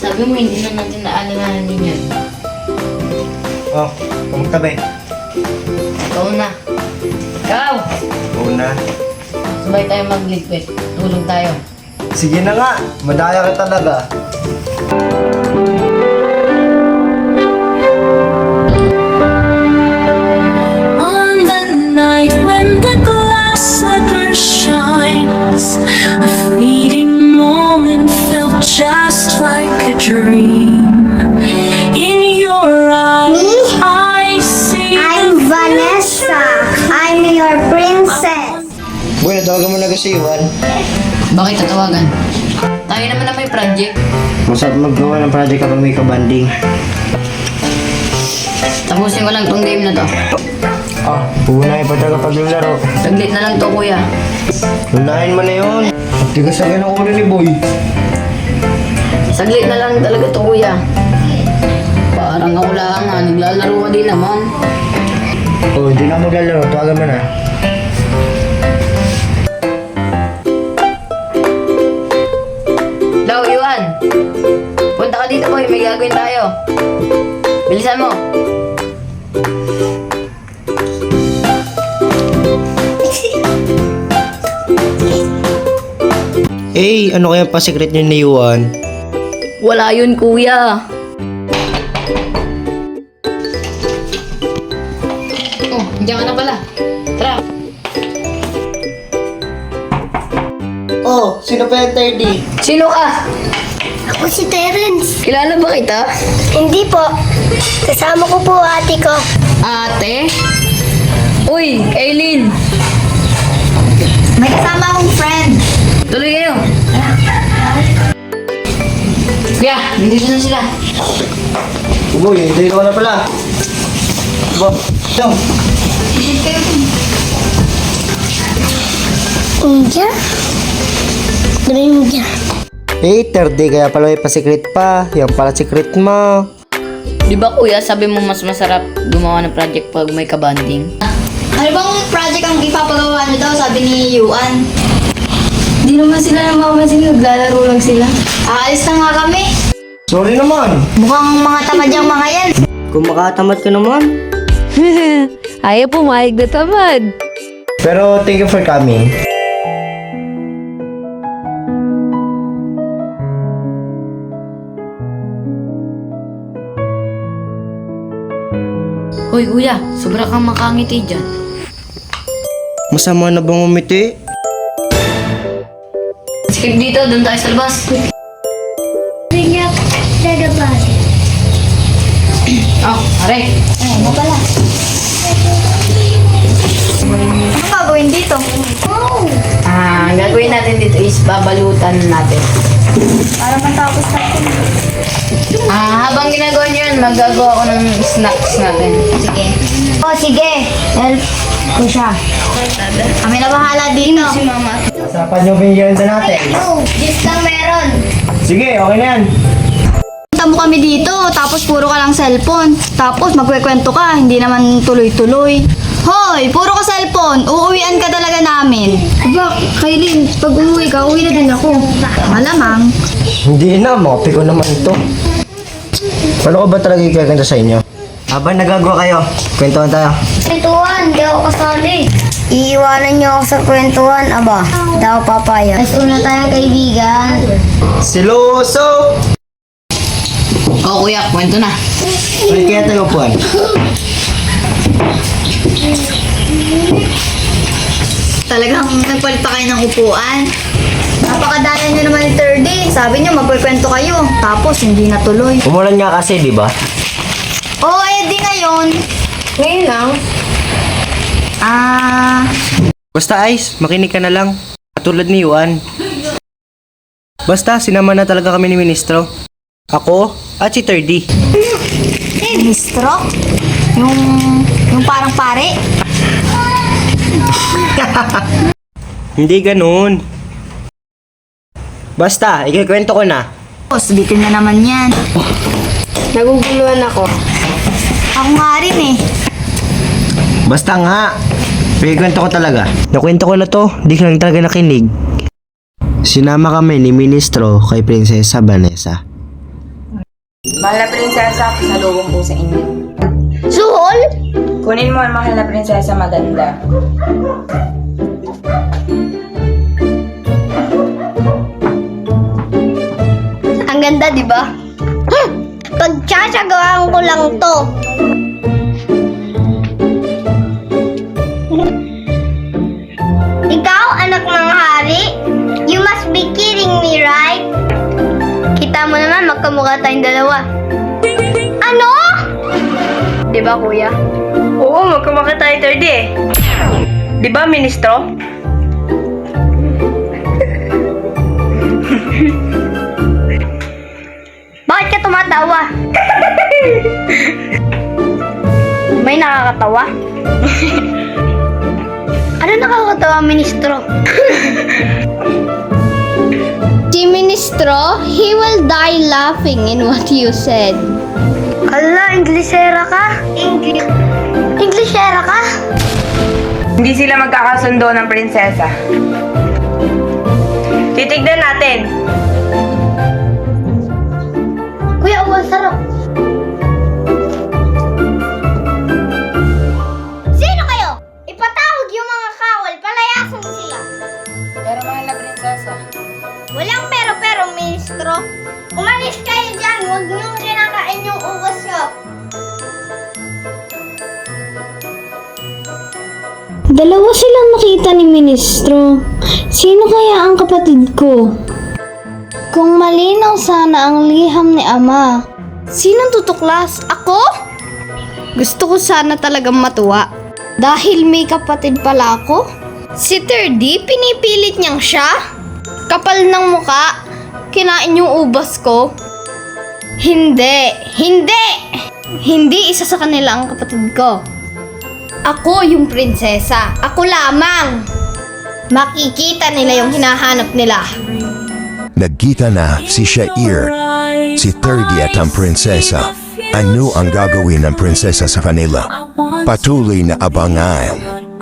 Sabi mo, hindi na natin naalalahanin yan. Oh, kamusta ba? Ikaw na. Ikaw! Una. Sabay tayo magligpit. Tulong tayo. Sige na nga, madaya ka talaga. On the night when the glass slipper shines, a fleeting moment felt just like a dream. In your eyes, I see I'm Vanessa. I'm your princess. Boy, natawagan mo na kasi Iwan. Bakit tatawagan? Tayo naman na may project. Masarap maggawa ng project kapag may kabanding. Tapusin ko lang tong game na to. Ah, punahin pa talaga paglularo. Saglit na lang to, kuya. Unahin mo na yun. Tigas sa ganang ulo ni Boy. Saglit na lang talaga to, kuya. Parang ako lang nga. Naglalaro ka din naman. Oh, hindi na maglalaro. Tawagan mo na. Daw, Iwan. Punta ka dito, boy. May gagawin tayo. Bilisan mo. Eh, ano kaya pa secret niyo ni Iwan? Wala yun, kuya. Oh, nandiyan ka na pala. Tara. Oh, sino pa yung 30? Sino ka? Ako si Terence. Kilala ba kita? Hindi po. Kasama ko po ate ko. Ate? Uy, Aileen. May kasama akong friend. Tuloy kayo. Kuya, nandito na sila. Boy, hindi ko na pala. Bo, ito. India? India. Eh, 30 kaya pala may pa-secret pa. Yan pala secret mo. Di ba kuya, sabi mo mas masarap gumawa ng project pag may kabanding? Ano bang project ang ipapagawa niyo daw? Sabi ni Yuan. Di naman sila namamansin, naglalaro lang sila. Aalis na nga kami. Sorry naman. Mukhang mga tamad yung mga yan. Kung makatamad ka naman. Ayaw pumayag na tamad. Pero thank you for coming. Hoy kuya, sobra kang makangiti dyan. Masama na bang umiti? Skip dito, doon tayo sa labas. Rinyak, dadabas. Oh, are. Ano pala? Ano gagawin dito? Oh! Ang gagawin natin dito is babalutan natin. Para matapos natin. Habang ginagawa nyo yun, magagawa ko ng snacks natin. Sige. Oh, sige. Help ko siya. Kami na bahala dito. Si mama. Usapan niyo ba yung natin? No, just lang meron. Sige, okay na yan. Punta mo kami dito, tapos puro ka lang cellphone. Tapos magkwekwento ka, hindi naman tuloy-tuloy. Hoy, puro ka cellphone. Uuwian ka talaga namin. Aba, Kailin, pag umuwi ka, uwi na din ako. Malamang. Hindi na, mopi ko naman ito. Paano ko ba talaga ikakanta sa inyo? Habang nagagawa kayo, kwentuhan tayo. Kwentuhan, di ako kasali. Iiwanan niyo ako sa kwentuhan, aba. Di ako papaya. Mas una tayo kaibigan. Siloso! Oh kuya, kwento na. Ulit kaya tayo puan. Talagang nagpalit pa kayo ng upuan. Napakadala niyo naman ni 30. Sabi niyo magkwekwento kayo. Tapos hindi natuloy. Umulan nga kasi, di ba? Oo, di ngayon. Ngayon lang. Basta Ice, makinig ka na lang. Katulad ni Juan. Basta, sinama na talaga kami ni Ministro. Ako at si 30. Ministro? Yung parang pare? Hindi ganun. Basta, ikikwento ko na. Tapos, bitin na naman yan. Naguguluhan ako. Ako nga rin eh. Basta nga. Ikikwento ko talaga. Nakwento ko na to, di ka lang talaga nakinig. Sinama kami ni Ministro kay Prinsesa Vanessa. Mahal na prinsesa, pasalubong po sa inyo. Suhol? Kunin mo ang mahal na prinsesa maganda. Ang ganda, di ba? Pagtsasagawaan ko lang to. Ikaw, anak ng hari? You must be kidding me, right? Kita mo naman, magkamukha tayong dalawa. Ano? Di ba, kuya? Oo, magkamukha tayo 30 eh. Di ba, ministro? Bakit ka tumatawa? May nakakatawa? Ano nakakatawa, ministro? Si ministro, he will die laughing in what you said. Hala, Inglesera ka? Inglesera ka? Hindi sila magkakasundo ng prinsesa. Titignan natin. Kuya, ang sarap. Sino kayo? Ipatawag yung mga kawal, palayasan sila. Pero mahal na prinsesa. Walang pero-pero, ministro. Umalis kayo dyan, huwag niyong kinakain yung ugas ko. Dalawa silang nakita ni Ministro. Sino kaya ang kapatid ko? Kung malinaw sana ang liham ni Ama. Sinong tutuklas? Ako? Gusto ko sana talagang matuwa. Dahil may kapatid pala ako. Si 3D, pinipilit niyang siya? Kapal ng muka, kinain yung ubas ko. Hindi! Hindi! Hindi isa sa kanila ang kapatid ko. Ako yung prinsesa. Ako lamang. Makikita nila yung hinahanap nila. Nagkita na si Shair, si 30 at ang prinsesa. Ano ang gagawin ng prinsesa sa kanila? Patuloy na abangan.